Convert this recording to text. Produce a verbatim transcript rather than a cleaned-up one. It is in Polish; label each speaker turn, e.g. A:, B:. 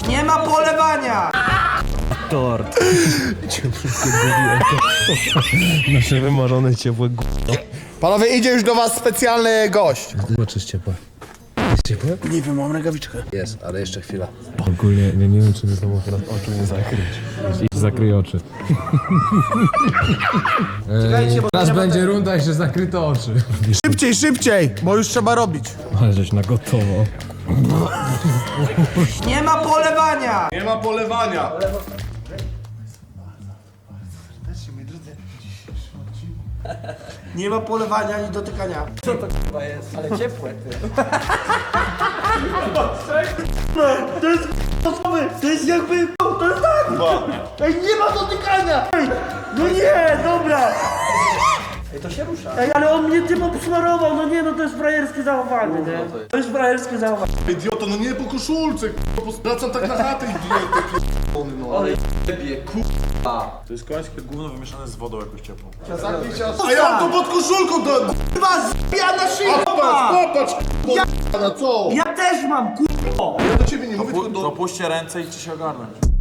A: Nie ma polewania!
B: Tort. Nasze wymarzone ciepłe g***.
C: Panowie, idzie już do was specjalny gość.
B: Zobaczysz jest ciepłe. Jest ciepłe?
C: Nie wiem, mam rękawiczkę.
B: Jest, ale jeszcze chwila. Ogólnie ja nie wiem, czy ze sobą teraz oczu nie zakryć. I zakryj oczy. Eee, teraz będzie runda, jeszcze zakryte oczy.
C: Szybciej, szybciej, bo już trzeba robić.
B: Ale żeś na gotowo.
A: Nie ma polewania!
D: Nie ma polewania.
A: Nie ma polewania ani dotykania. Co to k***a jest? Ale ciepłe. No, to jest k***owy, to jest jakby, to jest tak! Ej, nie ma dotykania! Ej, no nie, dobra! Ej, to się rusza. Ej, ale on mnie tym obsmarował, no nie, no to jest frajerskie zachowanie, nie? To jest frajerskie zachowanie.
D: Idioto, no nie po koszulce, k***a, wracam tak na chatę, idioto, p***ony, no. Ale
E: To jest końskie gówno wymieszane z wodą jakąś ciepłą.
D: a ja to pod koszulką do...
A: Kurwa, zbija na szyję!
D: Popatrz, popatrz, k***a, na co?
A: Ja też mam, kurwa!
D: Ja do ciebie nie mówię, tylko do...
E: Dopuśćcie ręce i ci się ogarnąć.